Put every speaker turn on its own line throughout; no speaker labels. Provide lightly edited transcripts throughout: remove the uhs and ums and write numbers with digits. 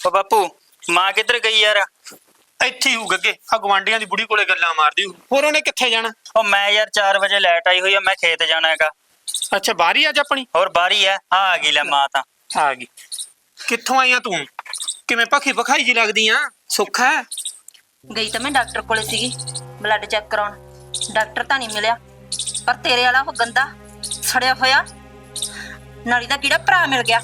ਉਹ ਬਾਪੂ ਮਾਂ ਕਿੱਧਰ ਗਈ ਯਾਰ?
ਇੱਥੇ ਹੀ ਹੋਊ ਗੱਗੇ, ਆ ਗਵਾਂਢੀਆਂ ਦੀ ਬੁੜੀ ਕੋਲੇ ਗੱਲਾਂ ਮਾਰਦੀ ਹੋਊ। ਹੋਰ ਉਹਨੇ ਕਿੱਥੇ ਜਾਣਾ?
ਉਹ ਮੈਂ ਯਾਰ 4 ਵਜੇ ਲਾਈਟ ਆਈ ਹੋਈ ਆ, ਮੈਂ ਖੇਤ ਜਾਣਾ ਹੈਗਾ।
ਅੱਛਾ ਬਾਹਰ ਹੀ ਅੱਜ ਆਪਣੀ
ਹੋਰ ਬਾਰੀ ਆ ਗਈ ਲੈ ਮਾਂ ਤਾਂ।
ਆ ਗਈ। ਕਿੱਥੋਂ ਆਈਆਂ ਤੂੰ? ਕਿਵੇਂ ਭਖੀ ਭਖਾਈ ਜੀ ਲੱਗਦੀ ਆ? ਸੁੱਖ ਹੈ?
ਗਈ ਤਾਂ ਮੈਂ ਡਾਕਟਰ ਕੋਲੇ ਸੀਗੀ ਬਲੱਡ ਚੈੱਕ ਕਰਾਉਣ। ਡਾਕਟਰ ਤਾਂ ਨਹੀਂ ਮਿਲਿਆ, ਪਰ ਤੇਰੇ ਵਾਲਾ ਉਹ ਗੰਦਾ ਸੜਿਆ ਹੋਇਆ ਨਾਲੀ ਦਾ ਕੀੜਾ ਭਰਾ ਮਿਲ ਗਿਆ।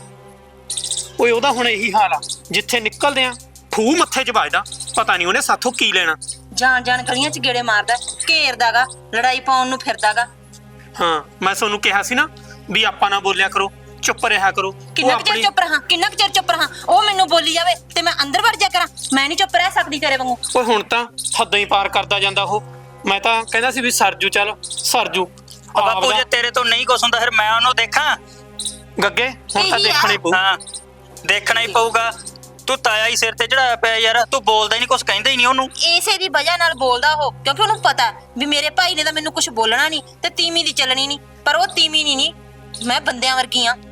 ਓਏ ਉਹਦਾ ਹੁਣ ਇਹੀ ਹਾਲ ਆ, ਜਿੱਥੇ ਨਿਕਲਦੇ ਆ ਫੂ ਮੱਥੇ 'ਚ ਵੱਜਦਾ। ਪਤਾ ਨਹੀਂ ਉਹਨੇ ਸਾਥੋਂ ਕੀ ਲੈਣਾ।
ਜਾਣ ਜਾਣ ਗਲੀਆਂ 'ਚ ਗੇੜੇ ਮਾਰਦਾ, ਘੇਰਦਾਗਾ, ਲੜਾਈ ਪਾਉਣ ਨੂੰ ਫਿਰਦਾਗਾ।
ਹਾਂ ਮੈਂ ਤੁਹਾਨੂੰ ਕਿਹਾ ਸੀ ਨਾ ਵੀ ਆਪਾਂ ਨਾ ਬੋਲਿਆ ਕਰੋ, ਚੁੱਪ ਰਿਹਾ ਕਰੋ।
ਕਿੰਨਾ ਕੁ ਚਿਰ ਚੁੱਪ ਰਹਾਂ, ਕਿੰਨਾ ਕੁ ਚਿਰ ਚੁੱਪ ਰਹਾਂ? ਉਹ ਮੈਨੂੰ ਬੋਲੀ ਜਾਵੇ ਤੇ ਮੈਂ ਅੰਦਰ ਵੜ ਜਾ ਕਰਾਂ? ਮੈਂ ਨਹੀਂ ਚੁੱਪ ਰਹਿ ਸਕਦੀ ਤੇਰੇ ਵਾਂਗੂ।
ਓਏ ਹੁਣ ਤਾਂ ਹੱਦੋਂ ਹੀ ਪਾਰ ਕਰਦਾ ਜਾਂਦਾ ਉਹ। ਮੈਂ ਤਾਂ ਕਹਿੰਦਾ ਸੀ ਵੀ ਸਰਜੂ, ਚੱਲ ਸਰਜੂ।
ਬਾਪੂ ਜੇ ਤੇਰੇ ਤੋਂ ਨਹੀਂ ਕੁਛ ਹੁੰਦਾ ਫਿਰ ਮੈਂ ਉਹਨੂੰ ਦੇਖਾਂ?
ਗੱਗੇ ਹੁਣ ਤਾਂ ਦੇਖਣਾ ਹੀ ਪਊ।
ਹਾਂ ਦੇਖਣਾ ਹੀ ਪਊਗਾ। ਤੂੰ ਤਾਇਆ ਹੀ ਸਿਰ ਤੇ ਚੜਾਇਆ ਪਿਆ ਯਾਰ, ਤੂੰ ਬੋਲਦਾ ਹੀ ਨਹੀਂ, ਕੁਛ ਕਹਿੰਦਾ ਹੀ ਨਹੀਂ ਉਹਨੂੰ।
ਇਸੇ ਦੀ ਵਜ੍ਹਾ ਨਾਲ ਬੋਲਦਾ ਉਹ, ਕਿਉਂਕਿ ਉਹਨੂੰ ਪਤਾ ਵੀ ਮੇਰੇ ਭਾਈ ਨੇ ਤਾਂ ਮੈਨੂੰ ਕੁਝ ਬੋਲਣਾ ਨਹੀਂ ਤੇ ਤੀਵੀਂ ਦੀ ਚੱਲਣੀ ਨਹੀਂ। ਪਰ ਉਹ ਤੀਵੀਂ ਨਹੀਂ, ਮੈਂ ਬੰਦਿਆਂ ਵਰਗੀ ਆ।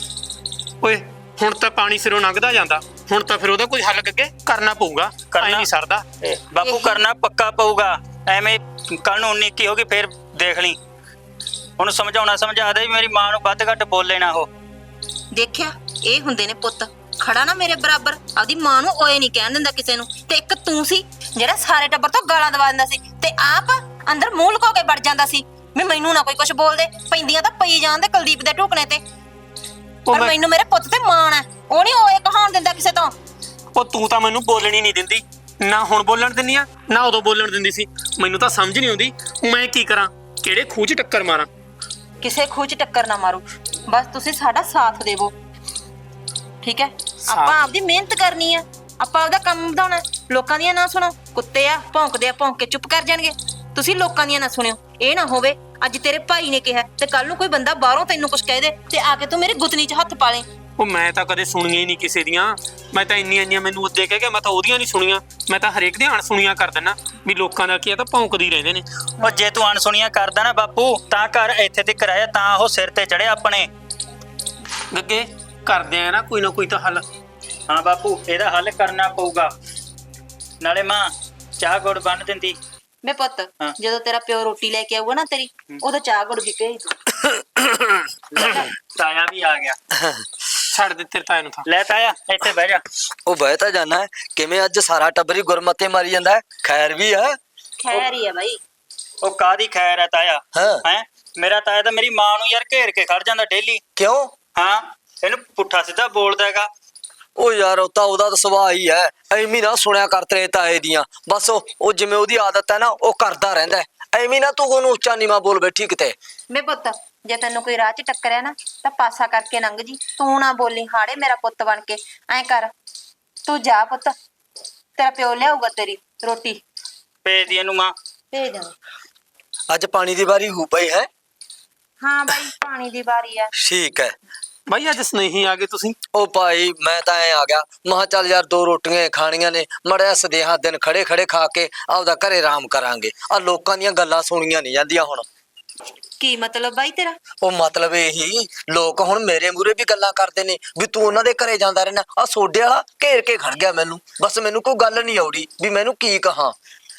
ਓਏ ਹੁਣ ਤਾਂ ਪਾਣੀ ਸਿਰੋਂ ਲੰਘਦਾ ਜਾਂਦਾ, ਹੁਣ ਤਾਂ ਫਿਰ ਉਹਦਾ ਕੋਈ ਹੱਲ ਗੱਗੇ ਕਰਨਾ ਪਊਗਾ। ਐ ਨਹੀਂ ਸਰਦਾ
ਬਾਪੂ, ਕਰਨਾ ਪੱਕਾ ਪਊਗਾ। ਐਵੇਂ ਕੱਲ ਨੂੰ 19 ਕੀ ਹੋ ਗਈ ਫੇਰ ਦੇਖ ਲਈ। ਉਹਨੂੰ ਸਮਝਾਉਣਾ ਸਮਝਾ ਦੇ ਵੀ ਮੇਰੀ ਮਾਂ ਨੂੰ ਵੱਧ ਘੱਟ ਬੋਲੇ ਨਾ ਉਹ।
ਦੇਖਿਆ, ਇਹ ਹੁੰਦੇ ਨੇ ਪੁੱਤ ਖੜਾ ਨਾ ਮੇਰੇ ਬਰਾਬਰ, ਆਪਦੀ ਮਾਂ ਨੂੰ ਓਏ ਨਹੀਂ ਕਹਿਣ ਦਿੰਦਾ ਕਿਸੇ ਨੂੰ। ਤੇ ਇੱਕ ਤੂੰ ਸੀ ਜਿਹੜਾ ਸਾਰੇ ਟੱਬਰ ਤੋਂ ਗਾਲਾਂ ਦਵਾ ਦਿੰਦਾ ਸੀ ਤੇ ਆਪ ਅੰਦਰ ਮੂੰਹ ਲੁਕੋ ਕੇ ਵੜ ਜਾਂਦਾ ਸੀ ਵੀ ਮੈਨੂੰ ਨਾ ਕੋਈ ਕੁਝ ਬੋਲਦੇ। ਪੈਂਦੀਆਂ ਤਾਂ ਪਈ ਜਾਂਦੇ ਕੁਲਦੀਪ ਦੇ ਢੂਕਣੇ ਤੇ। ਪਰ ਮੈਨੂੰ ਮੇਰੇ ਪੁੱਤ ਤੇ ਮਾਣ ਹੈ, ਉਹ ਨਹੀਂ ਓਏ ਕਹਾਉਣ ਦਿੰਦਾ ਕਿਸੇ ਤੋਂ।
ਉਹ ਤੂੰ ਤਾਂ ਮੈਨੂੰ ਬੋਲਣੀ ਨਹੀਂ ਦਿੰਦੀ, ਨਾ ਹੁਣ ਬੋਲਣ ਦਿੰਦੀ ਆ ਨਾ ਉਦੋਂ ਬੋਲਣ ਦਿੰਦੀ ਸੀ। ਮੈਨੂੰ ਤਾਂ ਸਮਝ ਨਹੀਂ ਆਉਂਦੀ ਮੈਂ ਕੀ ਕਰਾਂ, ਕਿਹੜੇ ਖੂਹ 'ਚ ਟੱਕਰ ਮਾਰਾਂ।
ਕਿਸੇ ਖੂਹ 'ਚ ਟੱਕਰ ਨਾ ਮਾਰੋ, ਬਸ ਤੁਸੀਂ ਸਾਡਾ ਸਾਥ ਦੇਵੋ, ਠੀਕ ਹੈ? ਆਪਾਂ ਆਪਦੀ ਮਿਹਨਤ ਕਰਨੀ ਆ, ਆਪਾਂ ਆਪਦਾ ਕੰਮ ਵਧਾਉਣਾ। ਲੋਕਾਂ ਦੀਆਂ ਨਾ ਸੁਣੋ, ਕੁੱਤੇ ਆ ਭੌਂਕਦੇ ਆ, ਭੌਂਕ ਕੇ ਚੁੱਪ ਕਰ ਜਾਣਗੇ। ਤੁਸੀਂ ਲੋਕਾਂ ਦੀਆਂ ਨਾ ਸੁਣਿਓ। ਇਹ ਨਾ ਹੋਵੇ ਅੱਜ ਤੇਰੇ ਭਾਈ ਨੇ ਕਿਹਾ ਤੇ ਕੱਲ ਨੂੰ ਕੋਈ ਬੰਦਾ ਬਾਹਰੋਂ ਤੈਨੂੰ ਕੁਝ ਕਹਿ ਦੇ ਤੇ ਆ ਕੇ ਤੂੰ ਮੇਰੀ ਗੁੱਤਨੀ 'ਚ ਹੱਥ ਪਾ ਲੇ।
ਉਹ ਮੈਂ ਤਾਂ ਕਦੇ ਸੁਣੀਆਂ ਹੀ ਨਹੀਂ ਕਿਸੇ ਦੀਆਂ। ਮੈਂ ਤਾਂ ਇੰਨੀਆਂ ਮੈਨੂੰ ਉੱਦੇ ਕਹਿ ਕੇ ਮੈਂ ਤਾਂ ਉਹਦੀਆਂ ਨਹੀਂ ਸੁਣੀਆਂ। ਮੈਂ ਤਾਂ ਹਰੇਕ ਦੀਆਂ ਅਣਸੁਣੀਆਂ ਕਰ ਦਿੰਦਾ ਵੀ ਲੋਕਾਂ ਦਾ ਕੀ ਆ, ਤਾਂ ਭੌਂਕਦੇ ਹੀ ਰਹਿੰਦੇ ਨੇ।
ਉਹ ਜੇ ਤੂੰ ਅਣਸੁਣੀਆਂ ਕਰਦਾ ਨਾ ਬਾਪੂ ਤਾਂ ਘਰ ਇੱਥੇ ਤੱਕ ਆਇਆ ਤਾਂ ਉਹ ਸਿਰ ਤੇ ਚੜਿਆ ਆਪਣੇ।
ਗੱਗੇ ਕਰਦੇ ਆ ਨਾ ਕੋਈ ਤਾਂ ਹੱਲ।
ਹਾਂ ਬਾਪੂ, ਇਹਦਾ ਹੱਲ ਕਰਨਾ ਪਊਗਾ। ਨਾਲੇ ਮਾਂ ਚਾਹ ਗੁੜ ਬੰਨ ਦਿੰਦੀ।
ਮੈਂ ਪੁੱਤ ਜਦੋਂ ਤੇਰਾ ਪਿਓ ਰੋਟੀ ਲੈ ਕੇ ਆਊਗਾ ਨਾ ਤੇਰੀ, ਉਦੋਂ ਚਾਹ ਗੁੜ ਵੀ ਭੇਜ ਦੂੰ।
ਤਾਇਆ ਵੀ ਆ ਗਿਆ।
ਛੱਡ ਦੇ ਤੇਰੇ ਤਾਏ ਨੂੰ ਤਾਂ।
ਲੈ ਤਾਇਆ ਇੱਥੇ ਬਹਿ ਜਾ।
ਉਹ ਬਹਿ ਤਾਂ ਜਾਣਾ ਹੈ, ਕਿਵੇਂ ਅੱਜ ਸਾਰਾ ਟੱਬਰ ਹੀ ਗੁਰਮਤੇ ਮਾਰੀ ਜਾਂਦਾ ਹੈ? ਖੈਰ ਵੀ ਹੈ?
ਖੈਰ ਹੀ ਹੈ ਬਾਈ।
ਉਹ ਕਾਦੀ ਖੈਰ ਹੈ ਤਾਇਆ?
ਹਾਂ
ਹੈ ਮੇਰਾ ਤਾਇਆ ਤਾਂ ਮੇਰੀ ਮਾਂ ਨੂੰ ਯਾਰ ਘੇਰ ਕੇ ਖੜ ਜਾਂਦਾ ਡੇਲੀ।
ਕਿਉਂ?
ਹਾਂ ਇਹਨੂੰ ਪੁੱਠਾ ਸਿੱਧਾ ਬੋਲਦਾ ਹੈਗਾ।
ਉਹ ਯਾਰ ਉਹ ਤਾਂ ਉਹਦਾ ਸੁਭਾਅ ਹੀ ਹੈ, ਐਵੇਂ ਨਾ ਸੁਣਿਆ ਕਰ ਤੇਰੇ ਤਾਏ ਦੀਆਂ। ਬਸ ਉਹ ਜਿਵੇਂ ਉਹਦੀ ਆਦਤ ਹੈ ਨਾ ਉਹ ਕਰਦਾ ਰਹਿੰਦਾ। ਐਵੇਂ ਨਾ ਤੂੰ ਉਹਨੂੰ ਉੱਚਾ ਨੀਵਾਂ ਬੋਲ ਬੈਠੀ ਕਿਤੇ।
ਮੈਂ ਪੁੱਤ ਜੇ ਤੈਨੂੰ ਕੋਈ ਰਾਹ 'ਚ ਟੱਕਰਿਆ ਨਾ ਤਾਂ ਪਾਸਾ ਕਰਕੇ ਲੰਘ ਜੀ, ਤੂੰ ਨਾ ਬੋਲੀ ਹਾੜੇ ਮੇਰਾ ਪੁੱਤ ਬਣ ਕੇ। ਐਂ ਕਰ ਤੂੰ ਜਾ ਪੁੱਤ, ਤੇਰਾ ਪਿਓ ਲਿਆਊਗਾ ਤੇਰੀ ਰੋਟੀ।
ਭੇਜ ਦੀ ਇਹਨੂੰ ਮਾਂ।
ਭੇਜ ਦੇ।
ਅੱਜ ਪਾਣੀ ਦੀ ਵਾਰੀ ਹੋ ਪਈ ਹੈ?
ਹਾਂ ਬਾਈ ਪਾਣੀ ਦੀ ਵਾਰੀ ਆ।
ਠੀਕ ਹੈ
ਬਾਈ ਅੱਜ ਸਨੇਹੀ ਆ ਗਏ ਤੁਸੀਂ?
ਉਹ ਭਾਈ ਮੈਂ ਤਾਂ ਐ ਆ ਗਿਆ, ਮਹਾ ਚੱਲ ਯਾਰ 2 ਰੋਟੀਆਂ ਖਾਣੀਆਂ ਨੇ, ਮੜਿਆ ਸਦੇਹਾ ਦਿਨ ਖੜੇ ਖੜੇ ਖਾ ਕੇ ਆਪਦਾ ਘਰੇ ਆਰਾਮ ਕਰਾਂਗੇ। ਆ ਲੋਕਾਂ ਦੀਆਂ ਗੱਲਾਂ ਸੁਣੀਆਂ ਨਹੀਂ ਜਾਂਦੀਆਂ ਹੁਣ।
ਕੀ ਮਤਲਬ ਬਾਈ ਤੇਰਾ?
ਉਹ ਮਤਲਬ ਇਹੀ, ਲੋਕ ਹੁਣ ਮੇਰੇ ਮੂਹਰੇ ਵੀ ਗੱਲਾਂ ਕਰਦੇ ਨੇ ਵੀ ਤੂੰ ਉਹਨਾਂ ਦੇ ਘਰੇ ਜਾਂਦਾ ਰਹਿਣਾ। ਆ ਸੋਡੇ ਵਾਲਾ ਘੇਰ ਕੇ ਖੜ ਗਿਆ ਮੈਨੂੰ। ਬਸ ਮੈਨੂੰ ਕੋਈ ਗੱਲ ਨਹੀਂ ਆਉੜੀ ਵੀ ਮੈਨੂੰ ਕੀ ਕਹਾਂ।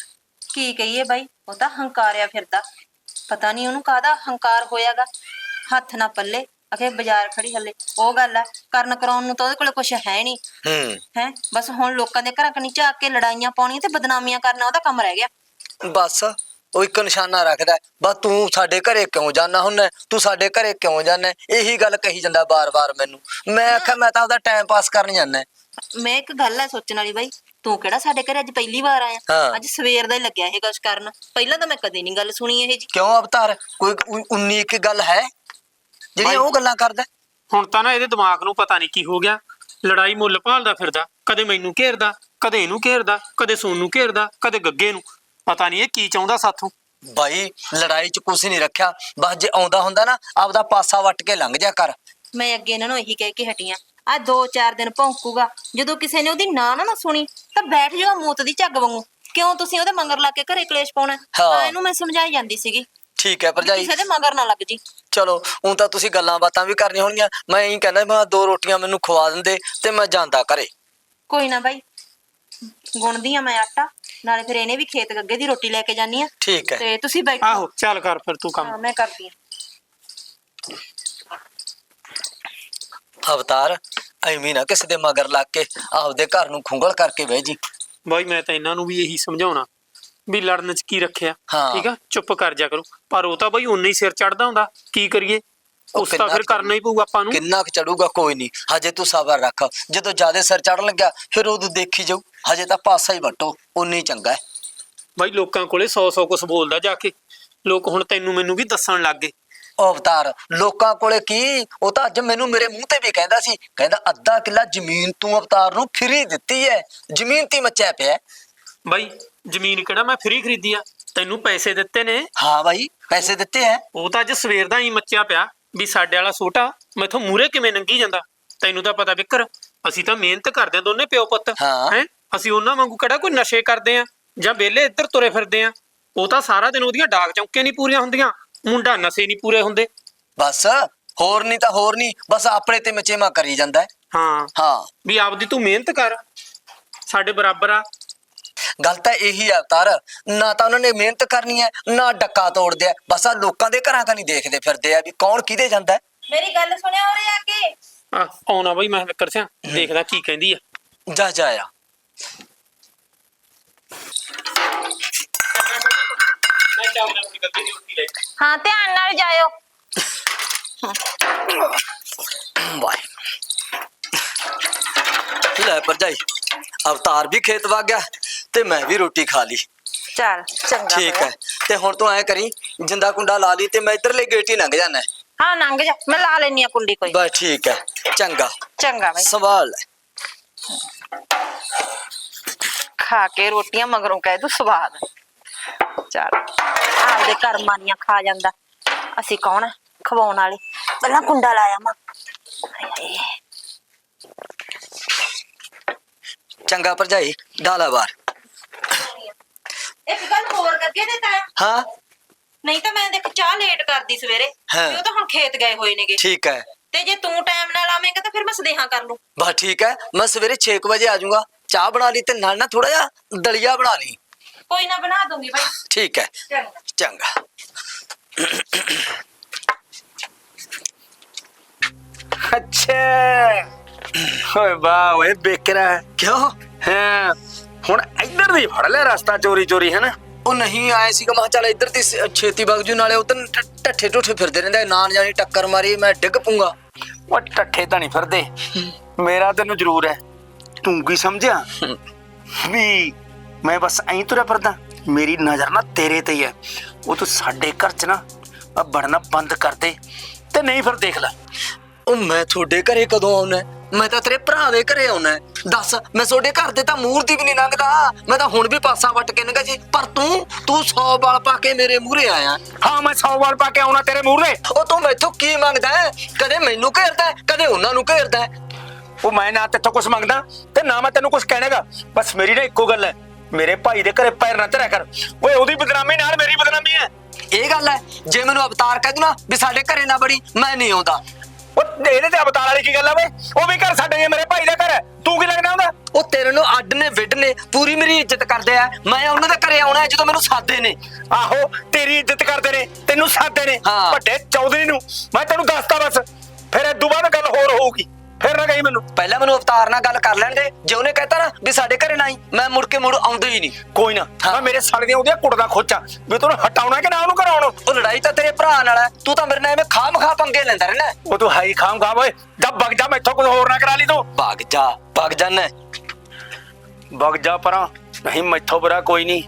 ਕੀ ਕਹੀਏ ਬਾਈ, ਉਹ ਤਾਂ ਹੰਕਾਰਿਆ ਫਿਰਦਾ। ਪਤਾ ਨਹੀਂ ਉਹਨੂੰ ਕਾਹਦਾ ਹੰਕਾਰ ਹੋਇਆਗਾ। ਹੱਥ ਨਾ ਪੱਲੇ ਅਖੇ ਬਾਜ਼ਾਰ ਖੜੀ ਹੱਲੇ। ਉਹ ਗੱਲ ਆ, ਕਰਨ ਕਰਾਉਣ ਨੂੰ ਤਾਂ ਉਹਦੇ ਕੋਲ ਕੁਛ ਹੈ ਨਹੀਂ ਹੈ। ਬਸ ਹੁਣ ਲੋਕਾਂ ਦੇ ਘਰਾਂ ਕਨੀ ਝਾਕ ਕੇ ਲੜਾਈਆਂ ਪਾਉਣੀਆਂ ਤੇ ਬਦਨਾਮੀਆਂ ਕਰਨਾ ਉਹਦਾ ਕੰਮ ਰਹਿ ਗਿਆ।
ਬਸ ਉਹ ਇੱਕ ਨਿਸ਼ਾਨਾ ਰੱਖਦਾ, ਬਸ ਤੂੰ ਸਾਡੇ ਘਰੇ ਕਿਉਂ ਜਾਣਾ ਹੁੰਦਾ, ਤੂੰ ਸਾਡੇ ਘਰੇ ਕਿਉਂ ਜਾਣਾ, ਇਹੀ ਗੱਲ ਕਹੀ ਜਾਂਦਾ ਬਾਰ-ਬਾਰ ਮੈਨੂੰ। ਮੈਂ ਆਖਿਆ ਮੈਂ ਤਾਂ ਉਹਦਾ ਟਾਈਮ ਪਾਸ ਕਰਨ ਜਾਂਦਾ।
ਮੈਂ ਇੱਕ ਗੱਲ ਹੈ ਸੋਚਣ ਵਾਲੀ ਬਾਈ, ਤੂੰ ਕਿਹੜਾ ਸਾਡੇ ਘਰੇ ਅੱਜ ਪਹਿਲੀ ਵਾਰ ਆਇਆ? ਅੱਜ ਸਵੇਰ ਦਾ ਹੀ ਲੱਗਿਆ ਇਹ ਕੁਛ ਕਰਨ। ਪਹਿਲਾਂ ਤਾਂ ਮੈਂ ਕਦੇ ਨਹੀਂ ਗੱਲ ਸੁਣੀ ਇਹ ਜੀ।
ਕਿਉਂ ਅਵਤਾਰ, ਕੋਈ 19 ਇੱਕ ਗੱਲ ਹੈ ਜਿਹੜੀਆਂ ਉਹ ਗੱਲਾਂ ਕਰਦਾ?
ਹੁਣ ਤਾਂ ਨਾ ਇਹਦੇ ਦਿਮਾਗ ਨੂੰ ਪਤਾ ਨਹੀਂ ਕੀ ਹੋ ਗਿਆ, ਲੜਾਈ ਮੁੱਲ ਭਾਲਦਾ ਫਿਰਦਾ। ਕਦੇ ਮੈਨੂੰ ਘੇਰਦਾ, ਕਦੇ ਇਹਨੂੰ ਘੇਰਦਾ, ਕਦੇ ਸੋਨੂੰ ਘੇਰਦਾ, ਕਦੇ ਗੱਗੇ ਨੂੰ। ਪਤਾ ਨਹੀਂ ਇਹ ਕੀ ਚਾਹੁੰਦਾ ਸਾਥੋਂ।
ਬਾਈ ਲੜਾਈ 'ਚ ਕੁਛ ਨਹੀਂ ਰੱਖਿਆ, ਬਸ ਜੇ ਆਉਂਦਾ ਹੁੰਦਾ ਨਾ ਆਪਦਾ ਪਾਸਾ ਵੱਟ ਕੇ ਲੰਘ ਜਾ ਕਰ।
ਮੈਂ ਅੱਗੇ ਇਹਨਾਂ ਨੂੰ ਇਹੀ ਕਹਿ ਕੇ ਹਟੀਆਂ, ਆ 2-4 ਦਿਨ ਭੌਂਕੂਗਾ, ਜਦੋਂ ਕਿਸੇ ਨੇ ਉਹਦੀ ਨਾ ਸੁਣੀ ਤਾਂ ਬੈਠ ਜਾਓ ਮੂਤ ਦੀ ਝੱਗ ਵਾਂਗੂ। ਕਿਉਂ ਤੁਸੀਂ ਉਹਦੇ ਮੰਗਰ ਲਾ ਕੇ ਘਰੇ ਕਲੇਸ਼ ਪਾਉਣਾ? ਤਾਂ ਇਹਨੂੰ ਮੈਂ ਸਮਝਾਈ ਜਾਂਦੀ ਸੀਗੀ।
ਠੀਕ ਹੈ ਭਰਜਾਈ,
ਕਿਸੇ ਦੇ ਮਗਰ ਨਾ ਲੱਗ ਜੀ।
ਚਲੋ ਹੁਣ ਤਾਂ ਤੁਸੀਂ ਗੱਲਾਂ ਬਾਤਾਂ ਵੀ ਕਰਨੀਆਂ ਹੋਣਗੀਆਂ। ਮੈਂ ਇਹੀ ਕਹਿੰਦਾ ਮੈਂ 2 ਰੋਟੀਆਂ ਮੈਨੂੰ ਖਵਾ ਦਿੰਦੇ ਤੇ ਮੈਂ ਜਾਂਦਾ ਘਰੇ।
ਕੋਈ ਨਾ ਬਾਈ, ਗੁੰਨਦੀ ਆ ਮੈਂ ਆਟਾ, ਨਾਲੇ ਫਿਰ ਇਹਨੇ ਵੀ ਖੇਤ ਗੱਗੇ ਦੀ ਰੋਟੀ ਲੈ ਕੇ ਜਾਨੀ ਆ।
ਠੀਕ ਹੈ।
ਤੇ ਤੁਸੀਂ ਬੈਠੋ।
ਆਹੋ ਚੱਲ ਕਰ ਫਿਰ ਤੂੰ ਕੰਮ।
ਹਾਂ, ਮੈਂ ਕਰਦੀ ਆ।
ਅਵਤਾਰ ਐਵੇਂ ਨਾ ਕਿਸੇ ਦੇ ਮਗਰ ਲੱਗ ਕੇ ਆਪਦੇ ਘਰ ਨੂੰ ਖੁੰਗਲ ਕਰਕੇ ਬਹਿ ਜੀ।
ਬਾਈ ਮੈਂ ਤਾਂ ਇਹਨਾਂ ਨੂੰ ਵੀ ਇਹੀ ਸਮਝਾਉਣਾ ਵੀ ਲੜਨ ਚ ਕੀ ਰੱਖਿਆ।
ਹਾਂ।
ਠੀਕ ਆ, ਚੁੱਪ ਕਰ ਜਾ ਕਰੋ। ਪਰ ਉਹ ਤਾਂ ਬਾਈ ਉਨਾ ਹੀ ਸਿਰ ਚੜਦਾ ਹੁੰਦਾ, ਕੀ ਕਰੀਏ, ਉਸ ਤਾਂ ਫਿਰ ਕਰਨਾ ਹੀ ਪਊ ਆਪਾਂ ਨੂੰ।
ਕਿੰਨਾ ਕੁ ਚੜੂਗਾ, ਕੋਈ ਨਹੀਂ, ਹਜੇ ਤੂੰ ਸਬਰ ਰੱਖ। ਜਦੋਂ ਜਿਆਦਾ ਸਿਰ ਚੜਨ ਲੱਗਿਆ ਫਿਰ ਉਦੋਂ ਦੇਖੀ ਜਾਊ। ਹਜੇ ਤਾਂ ਪਾਸਾ ਹੀ ਵੱਟੋ, ਉਨੀ ਚੰਗਾ ਹੈ।
ਬਾਈ ਲੋਕਾਂ ਕੋਲੇ 100 ਕੁਛ ਬੋਲਦਾ ਜਾ ਕੇ, ਲੋਕ ਹੁਣ ਤੈਨੂੰ ਮੈਨੂੰ ਵੀ ਦੱਸਣ ਲੱਗ ਗਏ।
ਉਹ ਅਵਤਾਰ ਲੋਕਾਂ ਕੋਲੇ ਕੀ, ਉਹ ਤਾਂ ਅੱਜ ਮੈਨੂੰ ਮੇਰੇ ਮੂੰਹ ਤੇ ਵੀ ਕਹਿੰਦਾ ਸੀ, ਕਹਿੰਦਾ ਅੱਧਾ ਕਿੱਲਾ ਜ਼ਮੀਨ ਤੂੰ ਅਵਤਾਰ ਨੂੰ ਫਰੀ ਦਿੱਤੀ ਹੈ, ਜ਼ਮੀਨ ਤੇ ਮੱਚਿਆ ਪਿਆ।
ਬਾਈ ਜ਼ਮੀਨ ਕਿਹੜਾ ਮੈਂ ਫ੍ਰੀ ਖਰੀਦੀ ਆ, ਤੈਨੂੰ ਪੈਸੇ ਦਿੱਤੇ ਨੇ।
ਹਾਂ ਬਾਈ ਪੈਸੇ ਦਿੱਤੇ ਹੈ।
ਉਹ ਤਾਂ ਅੱਜ ਸਵੇਰ ਦਾ ਹੀ ਮੱਚਿਆ ਪਿਆ ਵੀ ਸਾਡੇ ਵਾਲਾ ਛੋਟਾ ਮੈਥੋਂ ਮੂਹਰੇ ਕਿਵੇਂ ਲੰਘੀ ਜਾਂਦਾ। ਤੈਨੂੰ ਤਾਂ ਪਤਾ ਵਿਕਰ, ਅਸੀਂ ਤਾਂ ਮਿਹਨਤ ਕਰਦੇ ਦੋਨੇ ਪਿਓ ਪੁੱਤ
ਹਾਂ।
ਹੈ। ਅਸੀਂ ਉਹਨਾਂ ਵਾਂਗੂ ਕਿਹੜਾ ਕੋਈ ਨਸ਼ੇ ਕਰਦੇ ਆ ਜਾਂ ਵਿਹਲੇ ਇੱਧਰ ਤੁਰੇ ਫਿਰਦੇ ਆ। ਉਹ ਤਾਂ ਸਾਰਾ ਦਿਨ ਉਹਦੀਆਂ ਡਾਕ ਚੌਂਕੇ ਨਹੀਂ ਪੂਰੀਆਂ ਹੁੰਦੀਆਂ, ਮੁੰਡਾ ਨਸ਼ੇ ਨਹੀਂ ਪੂਰੇ ਹੁੰਦੇ।
ਬਸ ਹੋਰ ਨਹੀਂ ਤਾਂ ਹੋਰ ਨਹੀਂ, ਬਸ ਆਪਣੇ ਤੇ ਮਚੇਮਾ ਕਰੀ ਜਾਂਦਾ ਹੈ।
ਹਾਂ
ਹਾਂ
ਵੀ ਆਪਦੀ ਤੂੰ ਮਿਹਨਤ ਕਰ, ਸਾਡੇ ਬਰਾਬਰ ਆ।
ਗੱਲ ਤਾਂ ਇਹੀ ਆ ਅਵਤਾਰ, ਨਾ ਤਾਂ ਉਹਨਾਂ ਨੇ ਮਿਹਨਤ ਕਰਨੀ ਹੈ ਨਾ ਡੱਕਾ ਤੋੜਦੇ ਆ, ਬਸ ਆ ਲੋਕਾਂ ਦੇ ਘਰਾਂ ਨਹੀਂ ਦੇਖਦੇ ਫਿਰਦੇ ਆ ਵੀ ਕੌਣ ਕਿਹਦੇ ਜਾਂਦਾ ਹੈ।
ਮੇਰੀ ਗੱਲ ਸੁਣਿਆ ਉਰੇ ਆ ਕੇ।
ਆਉਣਾ ਬਾਈ ਮੈਂ ਵਿਕਰ ਸਿਆ, ਦੇਖਦਾ ਕੀ ਕਹਿੰਦੀ ਆ।
ਜਾ ਜਾ ਆ।
ਮੈਂ ਚਾਹੁੰਦਾ ਆਪਣੀ ਗੱਡੀ ਦੀ ਰੋਟੀ ਲੈ।
ਹਾਂ, ਧਿਆਨ ਨਾਲ ਜਾਇਓ।
ਬਾਈ ਲੈ ਭਰਜਾਈ, ਅਵਤਾਰ ਵੀ ਖੇਤ ਵਗ ਗਿਆ ਤੇ ਮੈਂ ਵੀ ਰੋਟੀ ਖਾ ਲਈ।
ਚੱਲ ਚੰਗਾ
ਠੀਕ
ਹੋਇਆ।
ਹੈ, ਤੇ ਹੁਣ ਤੂੰ ਐ ਕਰੀ, ਜਿੰਦਾ ਕੁੰਡਾ ਲਾ ਲਈ ਤੇ ਮੈਂ ਇਧਰਲੇ ਗੇਟ ਹੀ ਲੰਘ ਜਾਣਾ।
ਹਾਂ ਲੰਘ ਜਾ, ਮੈਂ ਲਾ ਲੈਣੀ ਆ ਕੁੰਡੀ ਕੋਈ।
ਬਸ ਠੀਕ ਹੈ, ਚੰਗਾ
ਚੰਗਾ ਬਾਈ।
ਸਵਾਲ ਹੈ।
ਖਾ ਕੇ ਰੋਟੀਆਂ ਮਗਰੋਂ ਕਹਿ ਦੂ ਸਵਾਦ। ਚੱਲ ਆਪਦੇ ਕਰਮਾਂ ਦੀਆਂ ਖਾ ਜਾਂਦਾ, ਅਸੀਂ ਕੌਣ ਆ ਖਵਾਉਣ ਵਾਲੇ। ਪਹਿਲਾਂ ਕੁੰਡਾ ਲਾਇਆ ਮਾਂ।
ਚੰਗਾ ਭਰਜਾਈ, ਡਾਲਾ ਬਾਹਰ।
ਇੱਕ ਗੱਲ ਹੋਰ ਅੱਗੇ ਦੇ ਤਾਇਆ,
ਹਾਂ
ਨਹੀਂ ਤਾਂ ਮੈਂ ਦੇਖ ਚਾਹ ਲੇਟ ਕਰਦੀ ਸਵੇਰੇ,
ਹਾਂ।
ਤੇ ਉਹ ਤਾਂ ਹੁਣ ਖੇਤ ਗਏ ਹੋਏ ਨੇਗੇ।
ਠੀਕ ਹੈ,
ਤੇ ਜੇ ਤੂੰ ਟਾਈਮ ਨਾਲ ਆਵੇਂਗਾ ਤਾਂ ਫਿਰ ਮੈਂ ਸਦੇਹਾ ਕਰ ਲੂੰ।
ਬਸ ਠੀਕ ਹੈ, ਮੈਂ ਸਵੇਰੇ 6 ਵਜੇ ਆ ਜਾਊਂਗਾ। ਚਾਹ ਬਣਾ ਲਈ ਤੇ ਨਾਲ ਨਾ ਥੋੜਾ ਜਿਹਾ ਦਲੀਆ ਬਣਾ ਲਈ।
ਕੋਈ ਨਾ ਬਣਾ ਦੂੰਗੀ ਬਾਈ।
ਠੀਕ ਹੈ,
ਚੰਗਾ।
ਚੰਗਾ।
ਅੱਛਾ ਓਏ ਵਾਹ ਓਏ ਬੇਕਰਾ
ਕਿਉਂ?
ਹਾਂ ਹੁਣ ਇੱਧਰ ਦੀ ਫੜ ਲੈ ਰਸਤਾ ਚੋਰੀ ਚੋਰੀ ਹੈ ਨਾ।
ਉਹ ਨਹੀਂ ਆਏ ਸੀਗਾ, ਮੈਂ ਕਿਹਾ ਚੱਲ ਇੱਧਰ ਦੀ ਛੇਤੀ ਬਗਜੂ, ਨਾਲੇ ਉਧਰ ਢੱਠੇ ਢੁੱਠੇ ਫਿਰਦੇ ਰਹਿੰਦੇ, ਨਾ ਜਾਣੀ ਟੱਕਰ ਮਾਰੀ ਮੈਂ ਡਿੱਗ ਪੂੰਗਾ।
ਉਹ ਟੱਠੇ ਤਾਂ ਨਹੀਂ ਫਿਰਦੇ, ਮੇਰਾ ਤੈਨੂੰ ਜ਼ਰੂਰ ਹੈ। ਤੂੰ ਕੀ ਸਮਝਿਆ ਵੀ ਮੈਂ ਬਸ ਐਂ ਤੁਰਿਆ ਫਿਰਦਾ? ਮੇਰੀ ਨਜ਼ਰ ਨਾ ਤੇਰੇ ਤੇ ਹੀ ਹੈ। ਉਹ ਤੂੰ ਸਾਡੇ ਘਰ ਚ ਨਾ ਵੜਨਾ ਬੰਦ ਕਰ ਦੇ, ਤੇ ਨਹੀਂ ਫਿਰ ਦੇਖ ਲੈ।
ਉਹ ਮੈਂ ਤੁਹਾਡੇ ਘਰੇ ਕਦੋਂ ਆਉਣਾ? ਮੈਂ ਤਾਂ ਤੇਰੇ ਭਰਾ ਦੇ ਘਰੇ ਆਉਣਾ। ਦੱਸ, ਮੈਂ ਤੁਹਾਡੇ ਘਰ ਦੇ ਤਾਂ ਮੂਹਰਤੀ ਵੀ ਨਹੀਂ ਲੰਘਦਾ, ਮੈਂ ਤਾਂ ਹੁਣ ਵੀ ਪਾਸਾ ਵੱਟ ਕੇ ਲੰਘਾ ਜੀ, ਪਰ ਤੂੰ 100 ਵਾਲ ਪਾ ਕੇ ਮੇਰੇ ਮੂਹਰੇ ਆਇਆ।
ਹਾਂ ਮੈਂ 100 ਵਾਰ ਪਾ ਕੇ ਆਉਣਾ ਤੇਰੇ ਮੂਹਰੇ।
ਉਹ ਤੂੰ ਮੈਥੋਂ ਕੀ ਮੰਗਦਾ ਹੈ? ਕਦੇ ਮੈਨੂੰ ਘੇਰਦਾ ਹੈ, ਕਦੇ ਉਹਨਾਂ ਨੂੰ ਘੇਰਦਾ ਹੈ।
ਉਹ ਮੈਂ ਨਾ ਤੇਥੋਂ ਕੁਝ ਮੰਗਦਾ ਤੇ ਨਾ ਮੈਂ ਤੈਨੂੰ ਕੁਝ ਕਹਿਣਾਗਾ। ਬਸ ਮੇਰੀ ਨਾ ਇੱਕੋ ਗੱਲ ਹੈ, ਮੇਰੇ ਭਾਈ ਦੇ ਘਰੇ ਪੈਰ ਨਾ ਧਰਿਆ ਕਰ। ਓਏ ਉਹਦੀ ਬਦਨਾਮੀ ਨਾਲ ਮੇਰੀ ਬਦਨਾਮੀ ਹੈ।
ਇਹ ਗੱਲ ਹੈ, ਜੇ ਮੈਨੂੰ ਅਵਤਾਰ ਕਹਿ ਦੂ ਨਾ ਵੀ ਸਾਡੇ ਘਰੇ ਨਾ ਬੜੀ, ਮੈਂ ਨਹੀਂ ਆਉਂਦਾ।
ਉਹ ਇਹਦੇ ਤੇ ਅਵਤਾਰ ਵਾਲੀ ਕੀ ਗੱਲ ਆ ਵੇ? ਉਹ ਵੀ ਘਰ ਸਾਡੇ ਹੀ, ਮੇਰੇ ਭਾਈ ਦਾ ਘਰ ਹੈ, ਤੂੰ ਕੀ ਲੱਗਦਾ ਹੁੰਦਾ?
ਉਹ ਤੇਰੇ ਨੂੰ ਅੱਡ ਨੇ ਵਿੱਡ ਨੇ, ਪੂਰੀ ਮੇਰੀ ਇੱਜ਼ਤ ਕਰਦੇ ਆ। ਮੈਂ ਉਹਨਾਂ ਦੇ ਘਰੇ ਆਉਣਾ ਜਦੋਂ ਮੈਨੂੰ ਸਾਦੇ ਨੇ।
ਆਹੋ ਤੇਰੀ ਇੱਜ਼ਤ ਕਰਦੇ ਨੇ, ਤੈਨੂੰ ਸਾਦੇ ਨੇ
ਹਾਂ।
ਵੱਡੇ ਚੌਧਰੀ ਨੂੰ। ਮੈਂ ਤੈਨੂੰ ਦੱਸਤਾ ਬਸ, ਫਿਰ ਇਦੋਂ ਬਾਅਦ ਗੱਲ ਹੋਰ ਹੋਊਗੀ, ਫਿਰ ਨਾ ਕਹੀ ਮੈਨੂੰ।
ਪਹਿਲਾਂ ਮੈਨੂੰ ਅਵਤਾਰ ਨਾਲ ਗੱਲ ਕਰ ਲੈਣ ਦੇ, ਜੇ ਉਹਨੇ ਕਹਿਤਾ ਨਾ ਵੀ ਸਾਡੇ ਘਰੇ ਨਾ ਆਈ, ਮੈਂ ਮੁੜ ਕੇ ਆਉਂਦਾ ਹੀ ਨਹੀਂ।
ਕੋਈ ਨਾ, ਮੈਂ ਮੇਰੇ ਸਾਲੇ ਦੀਆਂ ਉਹਦੀਆਂ ਕੁੜਦਾ ਖੋਚਾਂ ਵੀ ਤੈਨੂੰ ਹਟਾਉਣਾ ਕਿ ਨਾ ਉਹਨੂੰ ਕਰਾਉਣਾ।
ਉਹ ਲੜਾਈ ਤਾਂ ਤੇਰੇ ਭਰਾ ਨਾਲ ਹੈ, ਤੂੰ ਤਾਂ ਮੇਰੇ ਨਾਲ ਐਵੇਂ ਖਾਮ-ਖਾ ਪੰਗੇ ਲੈਂਦਾ ਰਹਿਣਾ।
ਉਹ ਤੂੰ ਹਾਈ ਖਾਮ ਖਾ ਓਏ, ਜਾ ਵਗ ਜਾ, ਮੈਥੋਂ ਕੁਝ ਹੋਰ ਨਾ ਕਰਾ ਲਈ ਤੂੰ।
ਭੱਗ ਜਾਨਾ।
ਵਗ ਜਾ ਪਰਾਂ, ਨਹੀਂ ਮੈਥੋਂ ਬੁਰਾ ਕੋਈ ਨਹੀਂ।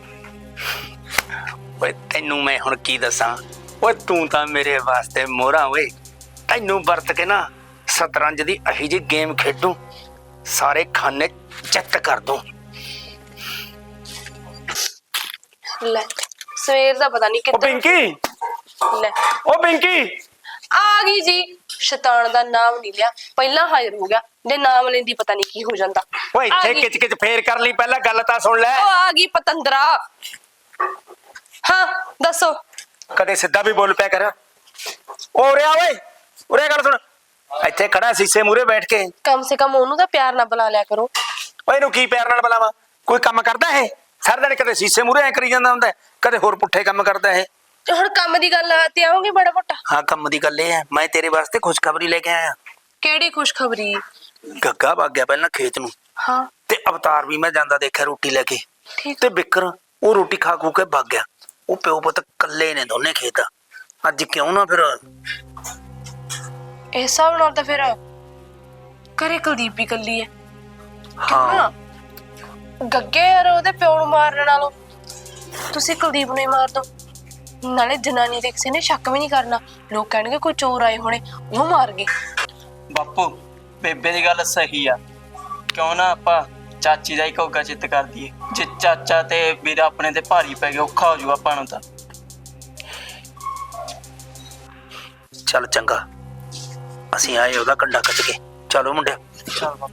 ਓਏ ਤੈਨੂੰ ਮੈਂ ਹੁਣ ਕੀ ਦੱਸਾਂ, ਓਏ ਤੂੰ ਤਾਂ ਮੇਰੇ ਵਾਸਤੇ ਮੋਹਰਾ। ਓਏ ਤੈਨੂੰ ਵਰਤ ਕੇ ਨਾ ਸ਼ਤਰੰਜ ਦੀ ਅਹੀ ਜਿਹੀ ਗੇਮ ਖੇਡੂ, ਸਾਰੇ ਖਾਨੇ ਚਿੱਤ ਕਰ ਦੂੰ।
ਲੈ ਸਵੇਰ ਦਾ ਪਤਾ ਨਹੀਂ
ਉਹ
ਕਿੱਧਰ
ਪਿੰਕੀ,
ਲੈ
ਉਹ ਪਿੰਕੀ,
ਆ ਗਈ ਜੀ। ਸ਼ੈਤਾਨ ਦਾ ਨਾਮ ਨਹੀਂ ਲਿਆ, ਪਹਿਲਾਂ ਹਾਜ਼ਰ ਹੋ ਗਿਆ, ਜੇ ਨਾਮ ਲੈਂਦੀ ਪਤਾ ਨਹੀਂ ਕੀ ਹੋ ਜਾਂਦਾ।
ਓਏ
ਆ
ਇੱਥੇ
ਗਈ।
ਕਿਚ ਕਿਚ ਫੇਰ ਕਰ ਲਈ, ਪਹਿਲਾਂ ਗੱਲ ਤਾਂ ਸੁਣ ਲੈ।
ਉਹ ਆ ਗਈ ਪਤੰਦਰਾ। ਹਾਂ ਦੱਸੋ।
ਕਦੇ ਸਿੱਧਾ ਵੀ ਬੋਲ ਪਿਆ ਕਰ। ਓ ਰਿਆ ਓਏ, ਉਰੇ ਗੱਲ ਸੁਣ। ਇੱਥੇ ਖੜਾ ਸੀਸੇ ਮੂਰੇ ਬੈਠ ਕੇ
ਕਮ ਸੇ ਕਮ ਉਹਨੂੰ ਤਾਂ ਪਿਆਰ ਨਾਲ ਬੁਲਾ ਲਿਆ ਕਰੋ।
ਓਏ ਇਹਨੂੰ ਕੀ ਪਿਆਰ ਨਾਲ ਬੁਲਾਵਾਂ? ਕੋਈ ਕੰਮ ਕਰਦਾ ਇਹ? ਸਾਰਾ ਦਿਨ ਕਦੇ ਸੀਸੇ ਮੂਹਰੇ ਐ ਕਰੀ ਜਾਂਦਾ ਹੁੰਦਾ ਹੈ, ਕਦੇ ਹੋਰ ਪੁੱਠੇ ਕੰਮ ਕਰਦਾ ਇਹ।
ਹੁਣ ਕੰਮ ਦੀ ਗੱਲ ਤੇ ਆਉਂਗੇ ਬੜਾ ਮੋਟਾ।
ਹਾਂ, ਕੰਮ ਦੀ ਗੱਲ ਇਹ ਹੈ, ਮੈਂ ਤੇਰੇ ਵਾਸਤੇ ਖੁਸ਼ਖਬਰੀ ਲੈ ਕੇ ਆਇਆ।
ਕਿਹੜੀ ਖੁਸ਼ਖਬਰੀ?
ਗੱਗਾ ਵਗ ਗਿਆ ਪਹਿਲਾਂ ਖੇਤ ਨੂੰ,
ਹਾਂ
ਤੇ ਅਵਤਾਰ ਵੀ ਮੈਂ ਜਾਂਦਾ ਦੇਖਿਆ ਰੋਟੀ ਲੈ ਕੇ,
ਠੀਕ।
ਤੇ ਬਿੱਕਰ ਉਹ ਰੋਟੀ ਖਾ ਖੂ ਕੇ ਵਗ ਗਿਆ। ਉਹ ਪਿਓ ਪੁੱਤ ਇਕੱਲੇ ਨੇ ਦੋਨੇ ਖੇਤ। ਅੱਜ ਕਿਉਂ ਨਾ ਫਿਰ
ਇਸ ਹਿਸਾਬ ਨਾਲ ਤਾਂ ਫਿਰ ਘਰੇ ਕੁਲਦੀਪ ਵੀ ਇਕੱਲੀ ਹੈ।
ਹਾਂ
ਗੱਗੇ ਯਾਰ ਉਹਦੇ ਪਿਓ ਨੂੰ ਮਾਰਨ ਨਾਲੋਂ ਤੁਸੀਂ ਕੁਲਦੀਪ ਨੂੰ ਹੀ ਮਾਰ ਦੋ। ਨਾਲੇ ਜਨਾਨੀ ਦੇ ਕਿਸੇ ਨੇ ਸ਼ੱਕ ਵੀ ਨਹੀਂ ਕਰਨਾ, ਲੋਕ ਕਹਿਣਗੇ ਕੋਈ ਚੋਰ ਆਏ ਹੋਣੇ ਉਹ ਮਾਰ ਗਏ।
ਬਾਪੂ ਬੇਬੇ ਦੀ ਗੱਲ ਸਹੀ ਆ, ਕਿਉਂ ਨਾ ਆਪਾਂ ਚਾਚੀ ਦਾ ਹੀ ਘੋਗਾ ਚਿੱਤ ਕਰ ਦਈਏ। ਜੇ ਚਾਚਾ ਤੇ ਵੀਰਾ ਆਪਣੇ ਤੇ ਭਾਰੀ ਪੈ ਗਿਆ ਔਖਾ ਹੋ ਜੂ ਆਪਾਂ ਨੂੰ ਤਾਂ।
ਚੱਲ ਚੰਗਾ, ਅਸੀਂ ਆਏ ਉਹਦਾ ਕੰਡਾ ਕੱਟ ਕੇ। ਚਲੋ ਮੁੰਡਿਆ।
ਚੱਲ ਬਾਪੂ।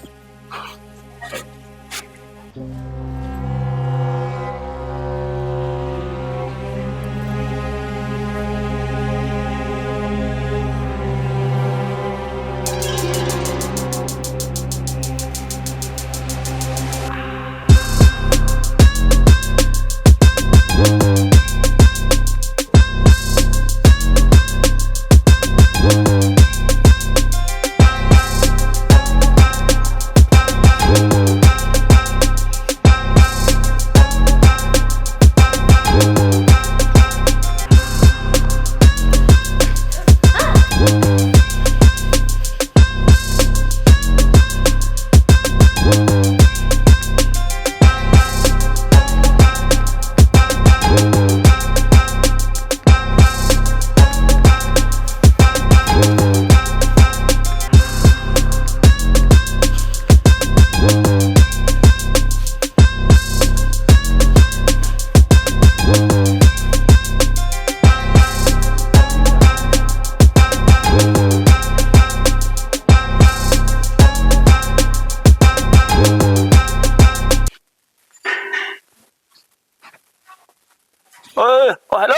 ਓਏ ਹੈਲੋ,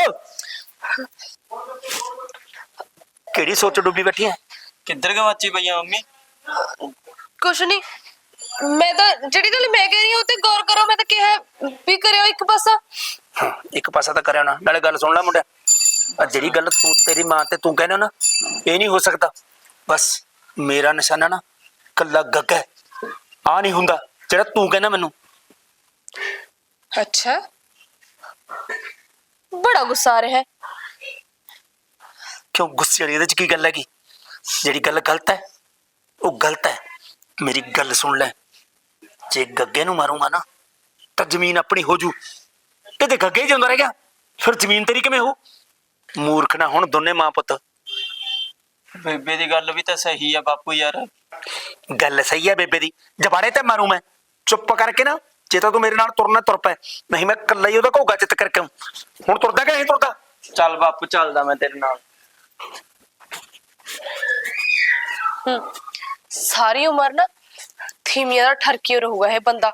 ਕਿਹੜੀ ਸੋਚ ਡੁੱਬੀ ਬੈਠੀ ਐ?
ਕਿੱਧਰ ਗਵਾਚੀ ਪਈਆਂ ਮੰਮੀ?
ਕੁਛ ਨਹੀਂ, ਮੈਂ ਤਾਂ ਜਿਹੜੀ ਗੱਲ ਮੈਂ ਕਹਿ ਰਹੀ ਹਾਂ ਉਹ ਤੇ ਗੌਰ ਕਰੋ। ਮੈਂ ਤਾਂ ਕਿਹਾ ਵੀ ਕਰਿਓ ਇੱਕ ਪਾਸਾ।
ਹਾਂ, ਇੱਕ ਪਾਸਾ ਤਾਂ ਕਰਿਆ ਨਾ। ਨਾਲੇ ਗੱਲ ਸੁਣ ਲੈ ਮੁੰਡਿਆ, ਆ ਜਿਹੜੀ ਗੱਲ ਤੂੰ ਤੇਰੀ ਮਾਂ ਤੇ ਤੂੰ ਕਹਿੰਦਾ ਨਾ, ਇਹ ਨਹੀਂ ਹੋ ਸਕਦਾ। ਬਸ ਮੇਰਾ ਨਿਸ਼ਾਨਾ ਨਾ ਕੱਲਾ ਗੱਗਾ ਹੈ। ਆ ਨਹੀਂ ਹੁੰਦਾ ਜਿਹੜਾ ਤੂੰ ਕਹਿੰਦਾ ਮੈਨੂੰ।
ਅੱਛਾ, ਬੜਾ ਗੁੱਸਾ ਆ ਰਿਹਾ ਹੈ।
ਕਿਉਂ ਗੁੱਸੇ ਵਾਲੀ ਇਹਦੇ ਚ ਕੀ ਗੱਲ ਹੈਗੀ? ਜਿਹੜੀ ਗੱਲ ਗਲਤ ਹੈ ਉਹ ਗਲਤ ਹੈ। ਮੇਰੀ ਗੱਲ ਸੁਣ ਲੈ, ਜੇ ਗੱਗੇ ਨੂੰ ਮਾਰੂੰਗਾ ਨਾ ਤਾਂ ਜ਼ਮੀਨ ਆਪਣੀ ਹੋ ਜੂ, ਤੇ ਜੇ ਗੱਗੇ ਹੀ ਜਿਉਂਦਾ ਰਹਿ ਗਿਆ ਫਿਰ ਜ਼ਮੀਨ ਤੇਰੀ ਕਿਵੇਂ ਹੋ? ਮੂਰਖ ਨਾ ਹੁਣ ਦੋਨੇ ਮਾਂ ਪੁੱਤ।
ਬੇਬੇ ਦੀ ਗੱਲ ਵੀ ਤਾਂ ਸਹੀ ਆ ਬਾਪੂ ਯਾਰ।
ਗੱਲ ਸਹੀ ਹੈ ਬੇਬੇ ਦੀ, ਜਬਾੜੇ ਤੇ ਮਾਰੂ ਮੈਂ। ਚੁੱਪ ਕਰਕੇ ਨਾ, ਜੇ ਤਾਂ ਤੂੰ ਮੇਰੇ ਨਾਲ ਤੁਰਨਾ ਤੁਰ ਪੈ, ਨਹੀਂ ਮੈਂ ਇਕੱਲਾ ਹੀ ਉਹਦਾ ਘੋਗਾ ਚਿੱਤ ਕਰਕੇ ਆਊਂ। ਹੁਣ ਤੁਰਦਾ ਕਿ ਨਹੀਂ ਤੁਰਦਾ?
ਚੱਲ ਬਾਪੂ, ਚੱਲਦਾ ਮੈਂ ਤੇਰੇ ਨਾਲ।
ਸਾਰੀ ਉਮਰ ਨਾ ਥੀਮੀਆਂ ਦਾ ਠਰਕੀ ਰਹੂਗਾ ਇਹ ਬੰਦਾ।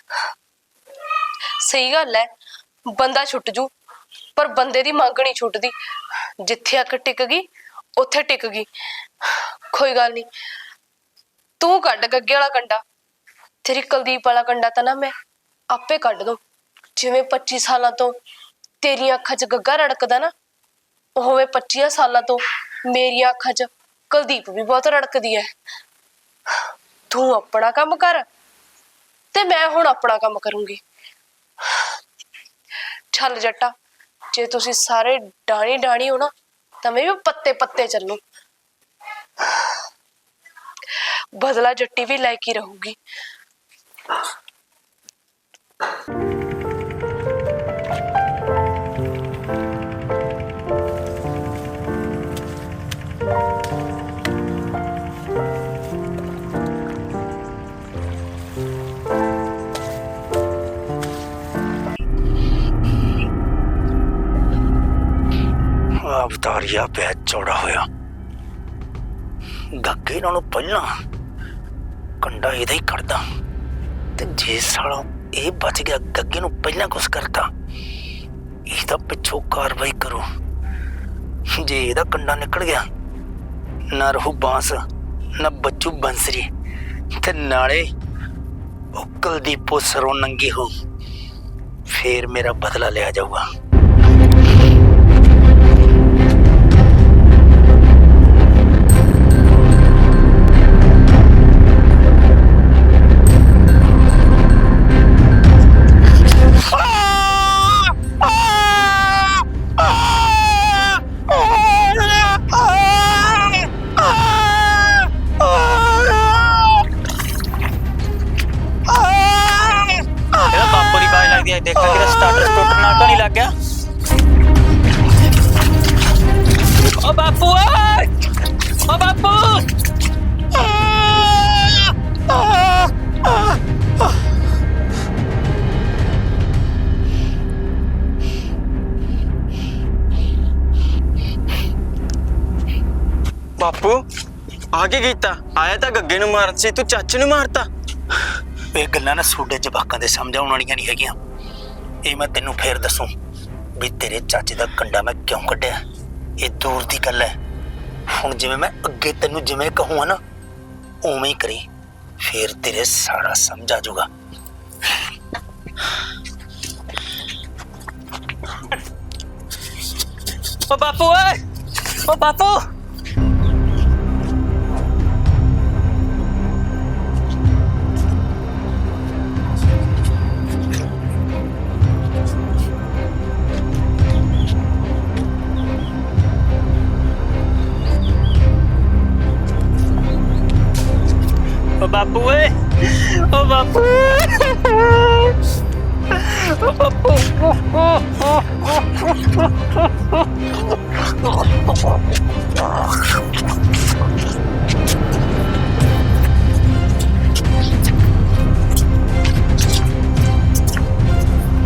ਸਹੀ ਗੱਲ ਹੈ, ਬੰਦਾ ਛੁੱਟ ਜੂ ਪਰ ਬੰਦੇ ਦੀ ਮੰਗ ਨਹੀਂ ਛੁੱਟਦੀ। ਜਿੱਥੇ ਅੱਖ ਟਿਕ ਗਈ ਉੱਥੇ ਟਿਕ ਗਈ। ਕੋਈ ਗੱਲ ਨਹੀਂ, ਤੂੰ ਕੱਢ ਗੱਗੇ ਵਾਲਾ ਕੰਡਾ। ਤੇਰੀ ਕੁਲਦੀਪ ਵਾਲਾ ਕੰਡਾ ਤਾਂ ਨਾ ਮੈਂ ਆਪੇ ਕੱਢ ਦੂੰ। ਜਿਵੇਂ 25 ਸਾਲਾਂ ਤੋਂ ਤੇਰੀਆਂ ਅੱਖਾਂ 'ਚ ਗੱਗਾ ਰੜਕਦਾ ਨਾ, ਉਵੇਂ 25 ਸਾਲਾਂ ਤੋਂ ਮੇਰੀਆਂ ਅੱਖਾਂ 'ਚ ਕੁਲਦੀਪ ਵੀ ਬਹੁਤ ਰੜਕਦੀ ਹੈ। ਤੂੰ ਆਪਣਾ ਕੰਮ ਕਰ ਤੇ ਮੈਂ ਹੁਣ ਆਪਣਾ ਕੰਮ ਕਰੂੰਗੀ। ਚੱਲ ਜੱਟਾ, ਜੇ ਤੁਸੀਂ ਸਾਰੇ ਡਾਣੀ ਡਾਣੀ ਹੋ ਨਾ ਤਾਂ ਮੈਂ ਵੀ ਪੱਤੇ ਪੱਤੇ ਚੱਲੂ। ਬਦਲਾ ਜੱਟੀ ਵੀ ਲੈ ਕੇ ਰਹੂਗੀ।
ਅਵਤਾਰੀਆ ਪਿਆ ਚੌੜਾ ਹੋਇਆ। ਗੱਗੇ ਨਾਲੋਂ ਪਹਿਲਾਂ ਕੰਡਾ ਇਹਦਾ ਹੀ ਕੱਢਦਾ, ਤੇ ਜੇ ਸਾਲਾ ਇਹ ਬਚ ਗਿਆ, ਗੱਗੇ ਨੂੰ ਪਹਿਲਾਂ ਕੁਛ ਕਰਤਾ, ਇਹ ਤਾਂ ਪਿੱਛੋਂ ਕਾਰਵਾਈ ਕਰੂ। ਜੇ ਇਹਦਾ ਕੰਡਾ ਨਿਕਲ ਗਿਆ, ਨਾ ਰਹੂ ਬਾਂਸ ਨਾ ਬੱਚੂ ਬੰਸਰੀ, ਤੇ ਨਾਲੇ ਉਹ ਕੁਲਦੀਪੋ ਸਰੋਂ ਨੰਗੀ ਹੋ, ਫੇਰ ਮੇਰਾ ਬਦਲਾ ਲਿਆ ਜਾਊਗਾ।
ਇਹਦਾ ਬਾਪੂ ਦੀ ਬਾਜ ਲੱਗਦੀ ਹੈ, ਦੇਖਾਂ ਕਿਹਦਾ ਸਟਾਰਟਰ ਸਟੂਟਰ ਨਾਲ ਤਾਂ ਨਹੀਂ ਲੱਗ ਗਿਆ। ਓ ਬਾਪੂ ਓਏ, ਓ ਬਾਪੂ। ਬਾਪੂ ਆ ਕੀ ਕੀਤਾ? ਆਇਆ ਤਾਂ ਗੱਗੇ ਨੂੰ ਮਾਰਨ ਸੀ, ਤੂੰ ਚਾਚੇ ਨੂੰ ਮਾਰਤਾ।
ਇਹ ਗੱਲਾਂ ਨਾ ਤੁਹਾਡੇ ਜਵਾਕਾਂ ਦੇ ਸਮਝਾਉਣ ਵਾਲੀਆਂ ਨਹੀਂ ਹੈਗੀਆਂ। ਇਹ ਮੈਂ ਤੈਨੂੰ ਫੇਰ ਦੱਸੂ ਵੀ ਤੇਰੇ ਚਾਚੇ ਦਾ ਕੰਡਾ ਮੈਂ ਕਿਉਂ ਕੱਢਿਆ। ਇਹ ਦੂਰ ਦੀ ਗੱਲ ਹੈ। ਹੁਣ ਜਿਵੇਂ ਮੈਂ ਅੱਗੇ ਤੈਨੂੰ ਜਿਵੇਂ ਕਹੂੰਗਾ ਨਾ ਉਵੇਂ ਹੀ ਕਰੀ, ਫੇਰ ਤੇਰੇ ਸਾਰਾ ਸਮਝ ਆ ਜਾਊਗਾ।
ਓ ਬਾਪੂ ਓਏ, ਓ ਬਾਪੂ। ਓ ਬਾਪੂ ਓਏ, ਓ ਬਾਪੂ।